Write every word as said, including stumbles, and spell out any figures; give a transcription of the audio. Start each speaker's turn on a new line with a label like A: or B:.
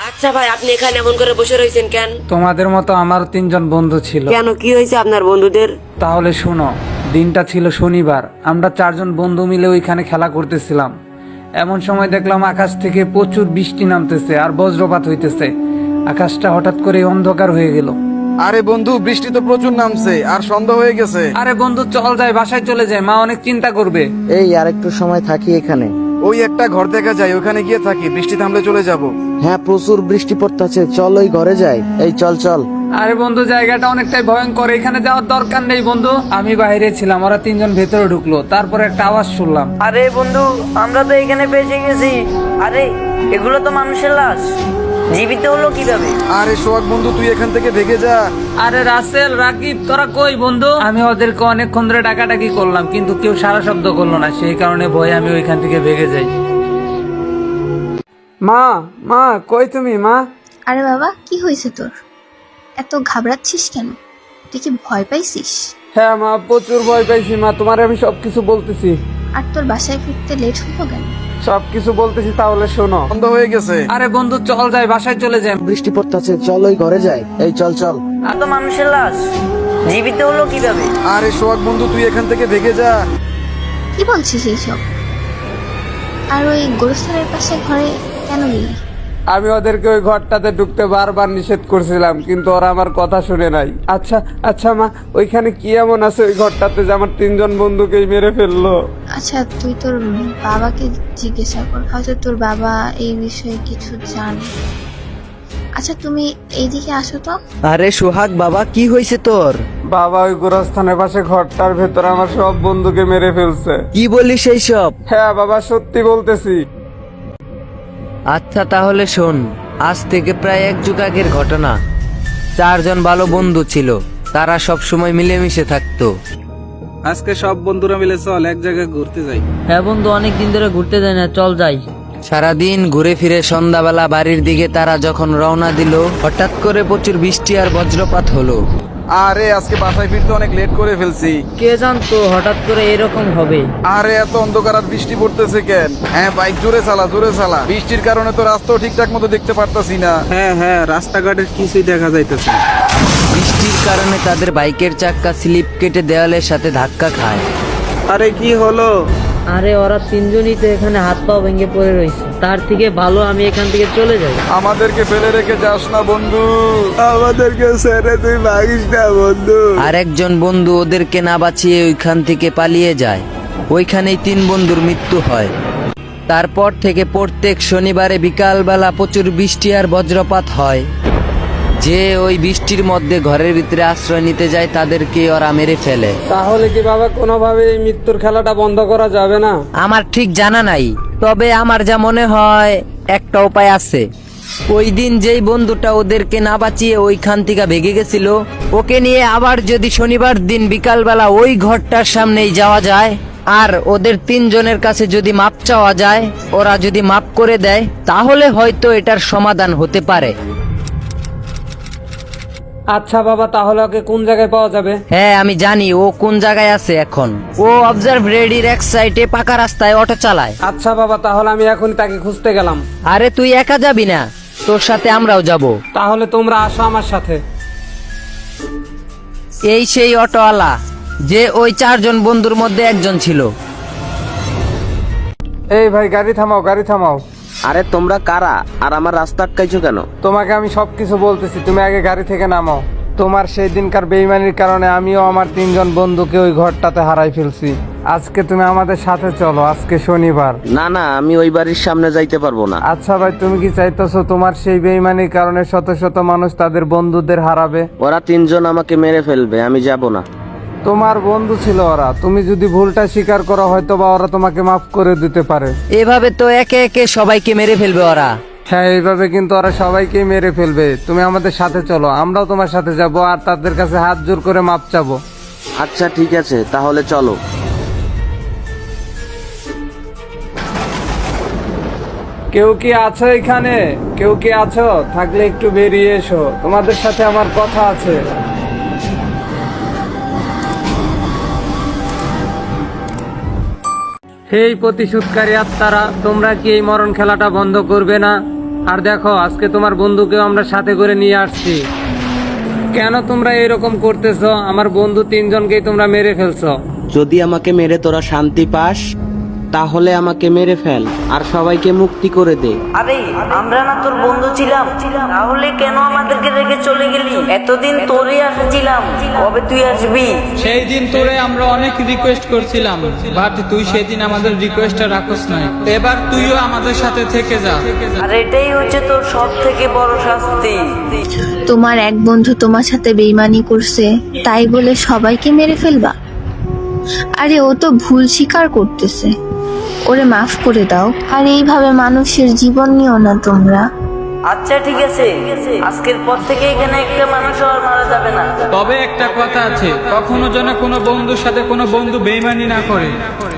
A: আচ্ছা ভাই, আপনি এখানে এমন করে বসে রয়েছেন কেন?
B: তোমাদের মতো আমার তিনজন বন্ধু ছিল।
A: কেন, কি হয়েছে আপনার বন্ধুদের?
B: তাহলে শোনো, দিনটা ছিল শনিবার। আমরা চারজন বন্ধু মিলে ওইখানে খেলা করতেছিলাম। এমন সময় দেখলাম আকাশ থেকে প্রচুর বৃষ্টি নামতেছে আর বজ্রপাত হইতেছে। আকাশটা হঠাৎ করে অন্ধকার হয়ে গেল।
C: আরে বন্ধু, বৃষ্টি তো প্রচুর নামছে আর সন্ধ্যা হয়ে গেছে।
B: আরে বন্ধু, চল যাই, বাসায় চলে যায়, মা অনেক চিন্তা করবে।
D: এই আর একটু সময় থাকি এখানে।
C: ওই একটা ঘর দেখা যায়, ওখানে গিয়ে থাকি, বৃষ্টি থামলে চলে যাব।
D: হ্যাঁ, প্রচুর বৃষ্টি পড়তেছে, চল ওই ঘরে যাই। এই চল চল।
B: আরে বন্ধু, জায়গাটা অনেকটাই ভয়ঙ্কর, এখানে যাওয়ার দরকার নেই বন্ধু। আমি বাইরে ছিলাম, ওরা তিনজন ভেতরে ঢুকলো, তারপর একটা আওয়াজ শুনলাম।
E: আরে বন্ধু, আমরা তো এখানে বেঁচে গেছি। আরে এগুলো তো মানুষের লাশ, জীবিত হলো কিভাবে?
C: আরে সোহাগ বন্ধু, তুই এখান থেকে ভেগে যা।
B: আরে রাসেল, রাকিব, তোরা কই বন্ধু? আমি ওদেরকে অনেকক্ষণ ধরে ডাকাডাকি করলাম, কিন্তু কেউ সারা শব্দ করলো না। সেই কারণে ভয়ে আমি ওইখান থেকে ভেগে যাই। মা, মা, কই তুমি মা?
F: আরে বাবা, কি হয়েছে তোর? এত ঘাবড়াচ্ছিস কেন? তুই কি ভয় পাইছিস?
B: হ্যাঁ মা, প্রচুর ভয় পাইছি মা, তোমার আমি সবকিছু বলতেছি।
F: আর তোর বাসায় ফিরতে লেট হলো কেন?
B: সবকিছু বলতেছি, তাহলে শোনো।
C: সন্ধ্যা হয়ে গেছে।
B: আরে বন্ধু, চল যাই, বাসায় চলে যাই।
D: বৃষ্টি পড়তেছে, চল ওই ঘরে যাই। এই চল চল।
E: আর তো মানুষের লাশ, জীবিত হলো কিভাবে?
C: আরে সোহাগ বন্ধু, তুই এখান থেকে ভেগে যা।
F: কি বলছিস এইসব? আর ওই গোরস্থানের পাশে ঘরে কেন গেলি?
B: আমি ওদেরকে ওই ঘরটাতে ঢুকতে বারবার নিষেধ করছিলাম, কিন্তু ওরা আমার কথা শুনে নাই। আচ্ছা আচ্ছা মা, ওইখানে কি এমন আছে ওই ঘরটাতে যে আমার তিনজন বন্ধুকেই মেরে ফেললো?
F: আচ্ছা, তুই তোর বাবাকে জিজ্ঞাসা কর, হয়তো তোর বাবা এই বিষয়ে কিছু জানে। আচ্ছা, তুমি এইদিকে আসো তো।
D: আরে সোহাগ বাবা, কি হয়েছে তোর?
B: বাবা, ওই গোরস্থানের পাশে ঘরটার ভেতরে আমার সব বন্ধুকে মেরে ফেলছে।
D: কি বলিস এইসব?
B: হ্যাঁ বাবা, সত্যি বলতেছি।
G: আচ্ছা তাহলে শোন, আজ থেকে প্রায় এক যুগ আগের ঘটনা। চারজন ভালো বন্ধু ছিল, তারা সব সময় মিলেমিশে থাকতো।
B: আজকে সব বন্ধুরা মিলে চল এক জায়গায় ঘুরতে যাই।
E: হ্যাঁ বন্ধু, অনেক দিন ধরে ঘুরতে যাই না, চল যাই।
G: সারাদিন ঘুরে ফিরে সন্ধ্যাবেলা বাড়ির দিকে তারা যখন রওনা দিল, হঠাৎ করে প্রচুর বৃষ্টি আর বজ্রপাত হলো।
C: আরে আজকে বাসায় ফিরতে অনেক লেট করে ফেলছি।
E: কে জানতো হঠাৎ করে এরকম হবে?
C: আরে এত অন্ধকার আর বৃষ্টি পড়তেছে কেন? হ্যাঁ বাইক জোরে চালা, জোরে চালা। বৃষ্টির কারণে তো রাস্তাও ঠিকঠাক মতো দেখতে পারতাছি না।
B: হ্যাঁ হ্যাঁ, রাস্তাঘাটের কিছুই দেখা যাইতেছে না।
G: বৃষ্টির কারণে তাদের বাইকের চাক্কা স্লিপ কেটে দেওয়ালের সাথে ধাক্কা খায়।
B: আরে কি হলো?
E: আরে ওরা তিনজনই তো এখানে হাত পা ভেঙে পড়ে রয়েছে, তার থেকে ভালো আমি এখান থেকে চলে যাই।
C: আমাদেরকে ফেলে রেখে যাস না বন্ধু, আমাদেরকে ছেড়ে তুই ভাগিস না বন্ধু।
G: আর একজন বন্ধু ওদেরকে না বাঁচিয়ে ওইখান থেকে পালিয়ে যায়। ওইখানেই তিন বন্ধুর মৃত্যু হয়। তারপর থেকে প্রত্যেক শনিবারে বিকালবেলা প্রচুর বৃষ্টি আর বজ্রপাত হয়। যে ওই বৃষ্টির মধ্যে ঘরের ভিতরে আশ্রয় নিতে যায় তাদেরকে ওরা মেরে ফেলে।
B: তাহলে কি বাবা কোনোভাবে এই মৃত্যুর খেলাটা বন্ধ করা যাবে না?
G: আমার ঠিক জানা নাই, তবে আমার যা মনে হয় একটা উপায় আছে। ওই দিন যেই বন্ধুটা ওদেরকে না বাঁচিয়ে ওইখান থেকে ভেগে গেছিল, ওকে নিয়ে আবার যদি শনিবার দিন বিকালবেলা ওই ঘরটার সামনেই যাওয়া যায় আর ওদের তিনজনের কাছে যদি মাপ চাওয়া যায়, ওরা যদি মাপ করে দেয়, তাহলে হয়তো এটার সমাধান হতে পারে।
B: আচ্ছা বাবা, তাহলে ওকে কোন জায়গায় পাওয়া যাবে?
G: হ্যাঁ আমি জানি ও কোন জায়গায় আছে এখন। ও অবজার্ভ রেডির এক সাইডে পাকা রাস্তায় অটো চালায়।
B: আচ্ছা বাবা, তাহলে আমি এখন তাকে খুঁজতে গেলাম।
G: আরে তুই একা যাবি না, তোর সাথে আমরাও যাব।
B: তাহলে তোমরা আসো আমার সাথে।
G: এই সেই অটোওয়ালা যে ওই চারজন বন্ধুর মধ্যে একজন ছিল।
B: এই ভাই, গাড়ি থামাও, গাড়ি থামাও।
D: আরে তোমরা কারা আর আমার রাস্তা আটকাইছো কেন?
B: তোমাকে আমি সবকিছু বলতেছি, তুমি আগে গাড়ি থেকে নামো। তোমার সেই দিনকার বেইমানির কারণে আমিও আমার তিনজন বন্ধুকে ওই ঘরটাতে হারাই ফেলছি। আজকে তুমি আমাদের সাথে চলো, আজকে শনিবার।
D: না না, আমি ওই বাড়ির সামনে যাইতে পারবো না।
B: আচ্ছা ভাই, তুমি কি চাইতেছো তোমার সেই বেইমানির কারণে শত শত মানুষ তাদের বন্ধুদের হারাবে?
D: ওরা তিনজন আমাকে মেরে ফেলবে, আমি যাব না।
B: তোমার বন্ধু ছিল ওরা, তুমি যদি ভুলটা স্বীকার করো হয়তো বা ওরা তোমাকে মাফ করে দিতে পারে।
G: এভাবে তো একে একে সবাইকে মেরে ফেলবে ওরা।
B: হ্যাঁ, এইভাবে কিন্তু ওরা সবাইকেই মেরে ফেলবে। তুমি আমাদের সাথে চলো, আমরাও তোমার সাথে যাব আর তাদের কাছে হাত জোর করে মাপ চাবো।
D: আচ্ছা ঠিক আছে, তাহলে চলো।
B: কেউ কি আছো এখানে? কেউ কি আছো? থাকলে একটু বেরিয়ে এসো, তোমাদের সাথে আমার কথা আছে। হেই প্রতিশোধকারী আত্মারা, তোমরা কি এই মরণ খেলাটা বন্ধ করবে না? আর দেখো আজকে তোমার বন্ধুকেও আমরা সাথে করে নিয়ে আসছি। কেন তোমরা এরকম করতেছো? আমার বন্ধু তিনজনকেই তোমরা মেরে ফেলছো।
D: যদি আমাকে মেরে তোরা শান্তি পাস তাহলে আমাকে মেরে ফেল আর সবাইকে মুক্তি করে দে।
E: আরে আমরা না তোর বন্ধু ছিলাম, তাহলে কেন আমাদেরকে রেখে চলে গেলি? এতদিন তোরই আশা ছিলাম, কবে তুই আসবি?
H: সেই দিন তোরে আমরা অনেক রিকোয়েস্ট করছিলাম, বাট তুই সেদিন আমাদের রিকোয়েস্টটা রাখস নাই। এবার তুইও আমাদের সাথে থেকে যা।
E: আর এটাই হচ্ছে তোর সব থেকে বড় শাস্তি।
F: তোমার এক বন্ধু তোমার সাথে বেইমানি করছে তাই বলে সবাইকে মেরে ফেলবা? আরে ও তো ভুল স্বীকার করতেছে, ওরে মাফ করে দাও। আর এইভাবে মানুষের জীবন নিও না তোমরা।
E: আচ্ছা ঠিক আছে, আজকের পর থেকে এখানে একটা মানুষ আর মারা যাবে না।
H: তবে একটা কথা আছে, কখনো যেন কোনো বন্ধুর সাথে কোনো বন্ধু বেইমানি না করে।